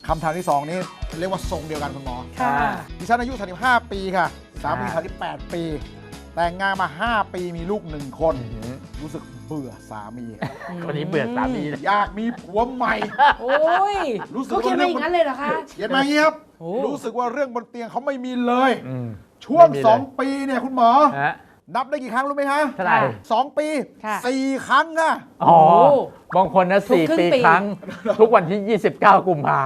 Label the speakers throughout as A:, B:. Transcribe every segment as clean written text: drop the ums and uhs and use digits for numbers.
A: คำถามที่ 2 นี้เรียกว่าทรงเดียวกันคุณหมอ
B: ค่ะ
A: ดิฉันอายุ 35 ปีค่ะ สามี 38 ปี แต่งงานมา 5 ปีมีลูก 1 คน รู้สึกเบื่อสามี
C: คนนี้เบื่อสามีเลย
A: อยากมีผัวใหม่
B: โอ้ย
A: รู้สึก
B: เขาเขียนมาอย่างนั้นเลยเหรอคะ
A: เขียนมาอย่างนี้ครับ
B: โอ้
A: รู้สึกว่าเรื่องบนเตียงเขาไม่มีเลย
C: อืม
A: ช่วง
C: ไม่มีเลย
A: 2 ปีเนี่ยคุณหมอ
C: ฮะ
A: นับได้กี่ครั้งรู้ไหมคะ
C: เท่าไหร่
A: 2 ปี
B: ค่ะ
A: 4 ครั้งอะ
C: อ๋อบางคนนะ
B: ทุกครึ่ง
C: 4 ปี
B: ปี
C: ครั้ง ทุกวันที่ 29 กุมภา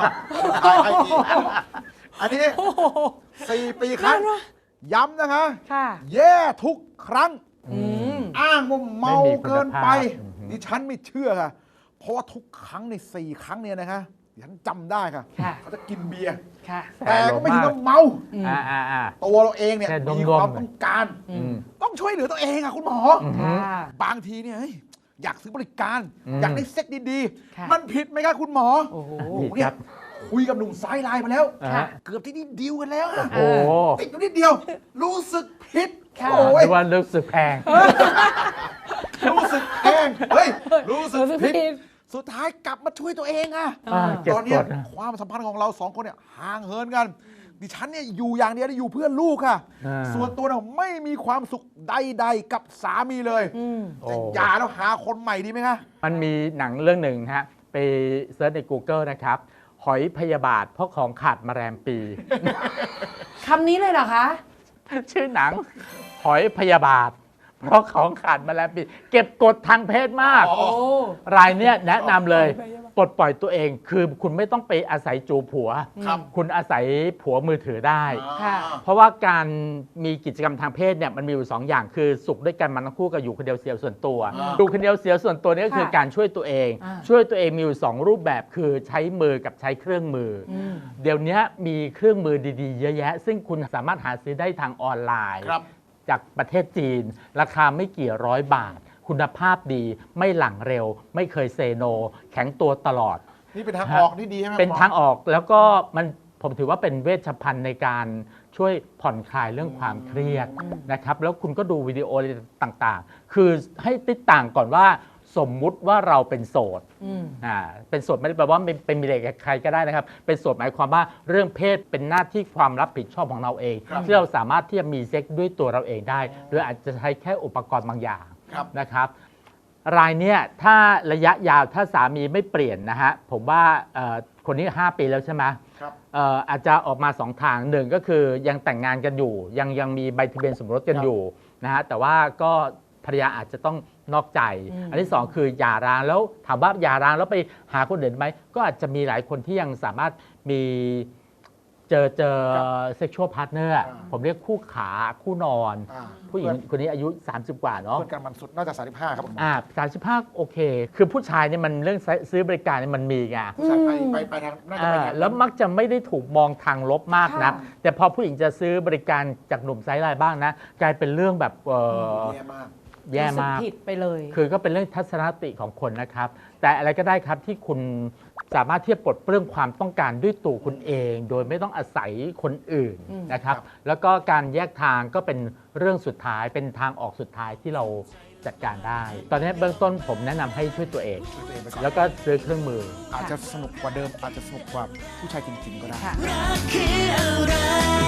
A: อันนี้4 ปีครั้ง ย้ำนะคะ
B: ค่ะ
A: แย่ทุกครั้ง
B: อืม
A: อ้างว่าเมา
C: ไม่มีคุณภาพ
A: เกินไป
C: อือหือ
A: ดิฉันไม่เชื่อค่ะ เพราะว่าทุกครั้งใน 4 ครั้งเนี่ยนะคะดิฉันจำได้ค่ะ
B: ค่ะ
A: เขาจะกินเบียร์
B: ค่ะ
A: แต่ก็ไม่ถึงกับเมา
B: อืม
A: ตัวเราเองเนี่ย
C: แค่ดมๆ
A: มีความต้องการ
B: อืม
A: ต้องช่วยเหลือตัวเองอะคุณหมอ
B: ค่ะ
A: บางทีเนี่ยเฮ้ยอยากซื้อบริการ
C: อืม
A: อยากได้เซ็กดี
B: ค่ะ
A: ๆ มันผิดไหมครับคุณหมอ
B: โอ้โห
C: ผิด
A: เนี่
C: ค
A: ย
C: รับ
A: คุยกับหนุ่มซ้ายไลน์มาแล้ว
B: ค่ะ
A: เกือบที่นี่ดีลกันแล้วอะ
C: โอ้โห
A: ติดอยู่นิดเดียว รู้สึกผิด
B: ค่ะ
A: โอ้ย
C: หรือว่ารู้สึกแพง
A: รู้สึกแพงเฮ้ย รู้สึก
B: รู้สึก
A: ผิด
B: ผิด
A: สุดท้ายกลับมาช่วยตัวเองอะ
C: เก็บ
A: ตอน
C: ก
A: เนี้ย
C: ดนะ
A: ความสัมพันธ์ของเรา2 คนเนี่ยห่างเหินกัน ดิฉันเนี่ยอยู่อย่างเดียวอยู่เพื่อลูกค่ะ
C: อ่า
A: ส่วนตัวเนี่ยไม่มีความสุขใดๆกับสามีเลย
B: อืม
A: จะหย่าแล้วหาคนใหม่ดีไหมคะ
C: มันมีหนังเรื่องหนึ่งฮะ ไปเซิร์ชใน Google นะครับ หอยพยาบาทเพราะของขาดมาแรมปี
B: คำนี้เลยเหรอคะ
C: ชื่อหนัง หอยพยาบาท เพราะของขาดมาแรมปี เก็บกดทางเพศมาก
A: อ๋อ
B: โอ้
C: รายเนี้ยแนะนำเลยปลดปล่อยตัวเองคือคุณไม่ต้องไปอาศัยจูบผัว
A: ครับ
C: คุณอาศัยผัวมือถือได้
B: ค่ะ
C: เพราะว่าการมีกิจกรรมทางเพศเนี่ยมันมีอยู่ 2 อย่างคือสุขด้วยกันมันทั้งคู่กับอยู่คนเดียวเสียส่วนตัว
A: อ่า
C: อยู่คนเดียวเสียส่วนตัวนี่ก็คือ
B: ค่ะ
C: การช่วยตัวเอง
B: อ่า
C: ช่วยตัวเองมีอยู่ 2 รูปแบบคือใช้มือกับใช้เครื่องมืออ
B: อืม
C: เดี๋ยวนี้มีเครื่องมือดีๆ เยอะแยะ ซึ่งคุณสามารถหาซื้อได้ทางออนไลน์
A: ครับ
C: จากประเทศจีน ราคาไม่กี่ร้อยบาท คุณภาพดีไม่หลังเร็ว ไม่เคยเซโน แข็งตัวตลอด
A: นี่เป็นทางออกที่ดีใช่ไหม
C: เป็น
A: หมอ
C: ทางออกแล้วก็ผมถือว่าเป็นเวชภัณฑ์ในการช่วยผ่อนคลายเรื่องความเครียดนะครับ แล้วคุณก็ดูวิดีโออะไรต่างๆ คือให้ติดต่างก่อนว่าสมมุติว่าเราเป็นโสด
B: อืม
C: เป็นโสดไม่ได้แปลว่าเป็นมีอะไรกับใครก็ได้นะครับ เป็นโสดหมายความว่าเรื่องเพศเป็นหน้าที่ความรับผิดชอบของเราเอง
A: ครับ
C: ที่เราสามารถที่จะมีเซ็กซ์ด้วยตัวเราเองได้หรืออาจจะใช้แค่อุปกรณ์บางอย่าง
A: ครับ
C: นะครับ รายเนี้ยถ้าระยะยาวถ้าสามีไม่เปลี่ยนนะฮะผมว่าคนนี้ 5 ปีแล้วใช่ไหม
A: ครับ
C: อาจจะออกมา 2 ทางหนึ่งก็คือยังแต่งงานกันอยู่ ยังมีใบทะเบียนสมรสกันอยู่นะฮะแต่ว่าก็ภรรยาอาจจะต้องนอกใจ อันที่ 2 คือหย่าร้างแล้วถามว่าหย่าร้างแล้วไปหาคนอื่นไหมก็อาจจะมีหลายคนที่ยังสามารถมีเจอเซ็กชวลพาร์ทเนอร์ผมเรียกคู่ขาคู่นอน
A: อ่า
C: ผู้หญิงคนนี้อายุ 30 กว่าเนาะ
A: เพื่อนกันมันสุดน่าจะ35ครับผม
C: 35โอเค คือผู้ชายเนี่ยมันเรื่องซื้อบริการเนี่ยมันมีไง
A: ผู้ชายไปทางน่าจะไปทาง
C: แล้วมักจะไม่ได้ถูกมองทางลบมากนะ
B: ค่ะ
C: แต่พอผู้หญิงจะซื้อบริการจากหนุ่มไซส์ไลน์บ้างนะ กลายเป็นเรื่องแบบ
A: แย่มาก
C: แย่
B: รู้สึก
C: มาก
B: ผิดไปเลย
C: คือก็เป็นเรื่องทัศนคติของคนนะครับ แต่อะไรก็ได้ครับที่คุณสามารถที่จะปลดเปลื้องความต้องการด้วยตัวคุณเอง โดยไม่ต้องอาศัยคนอื่น
B: อืม
C: นะครับ
A: ครับ
C: แล้วก็การแยกทางก็เป็นเรื่องสุดท้ายเป็นทางออกสุดท้ายที่เราจัดการได้ ตอนนี้เบื้องต้นผมแนะนำให้ช่วยตัวเอง
A: ช่วยตัวเองไปก่อน
C: แล้วก็ซื้อเครื่องมือ
A: อาจจะสนุกกว่าเดิมอาจจะสนุกกว่าผู้ชายจริงๆก็ได้
B: ค่ะ
D: รักคืออะไร